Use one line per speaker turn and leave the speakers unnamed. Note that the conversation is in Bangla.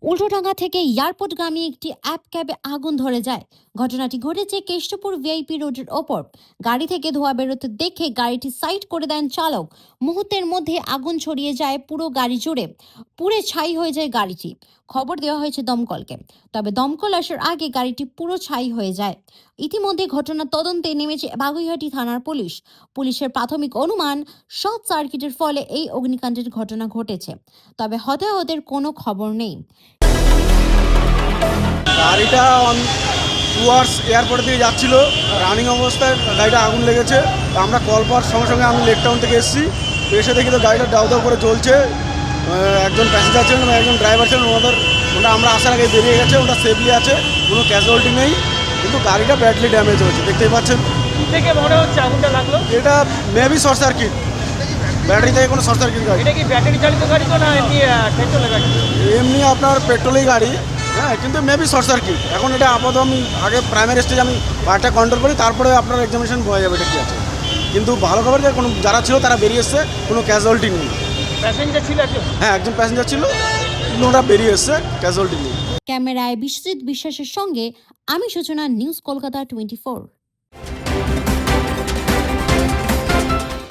উল্টোডাঙ্গা থেকে এয়ারপোর্টগামী একটি অ্যাপ ক্যাবে আগুন ধরে যায়। ঘটনাটি ঘটেছে কেষ্টপুর ভিআইপি রোডের ওপর। গাড়ি থেকে ধোঁয়া বেরোতে দেখে গাড়িটি সাইড করে দেন চালক। মুহূর্তের মধ্যে আগুন ছড়িয়ে যায় পুরো গাড়ি জুড়ে, পুড়ে ছাই হয়ে যায় গাড়িটি। খবর দেওয়া হয়েছে দমকলকে, তবে দমকল আসার আগে গাড়িটি পুরো ছাই হয়ে যায়। ইতিমধ্যে ঘটনার তদন্তে নেমেছে বাগুইআটি থানার পুলিশ। পুলিশের প্রাথমিক অনুমান, শর্ট সার্কিটের ফলে এই অগ্নিকাণ্ডের ঘটনা ঘটেছে, তবে হতাহতের কোনো খবর নেই।
গাড়িটা টুয়ার্ডস এয়ারপোর্ট দিয়ে যাচ্ছিল, রানিং অবস্থায় গাড়িটা আগুন লেগেছে। আমরা কল পাওয়ার সঙ্গে সঙ্গে আমি লেক টাউন থেকে এসেছি, এসে দেখি তো গাড়িটা দাউ দাউ করে জ্বলছে। একজন প্যাসেঞ্জার ছিলেন এবং একজন ড্রাইভার ছিলেন, ওটা আমরা আসার আগে বেরিয়ে গেছে। ওটা সেফলি আছে, কোনো ক্যাজুয়ালিটি নেই, কিন্তু গাড়িটা ব্যাডলি ড্যামেজ হয়েছে, দেখতেই পাচ্ছেন।
থেকে মনে হচ্ছে আগুনটা লাগলো,
এটা মেবি শর্ট সার্কিট, ব্যাটারি থেকে কোনো শর্ট সার্কিট গাড়ি।
এটা কি ব্যাটারি চালিত গাড়ি তো না এমনি পেট্রোলের গাড়ি?
এমনি আপনার পেট্রোলেই গাড়ি, হ্যাঁ, কিন্তু মেবি শর্ট সার্কিট। এখন এটা আপাতত আমি আগে প্রাইমারি স্টেজ আমি গাড়িটা কন্ট্রোল করি, তারপরে আপনার এক্সামিনেশন হয়ে যাবে এটা কী আছে। কিন্তু ভালো খবর যে কোনো যারা ছিল তারা বেরিয়ে এসছে, কোনো ক্যাজুয়ালিটি নেই।
প্যাসেঞ্জার ছিল একজন?
হ্যাঁ, একজন প্যাসেঞ্জার ছিল, কিন্তু ওরা বেরিয়ে এসছে, ক্যাজুয়ালিটি নেই।
ক্যামেরায় বিশ্বজিৎ বিশ্বাসের সঙ্গে আমি সূচনা, নিউজ কলকাতা 24।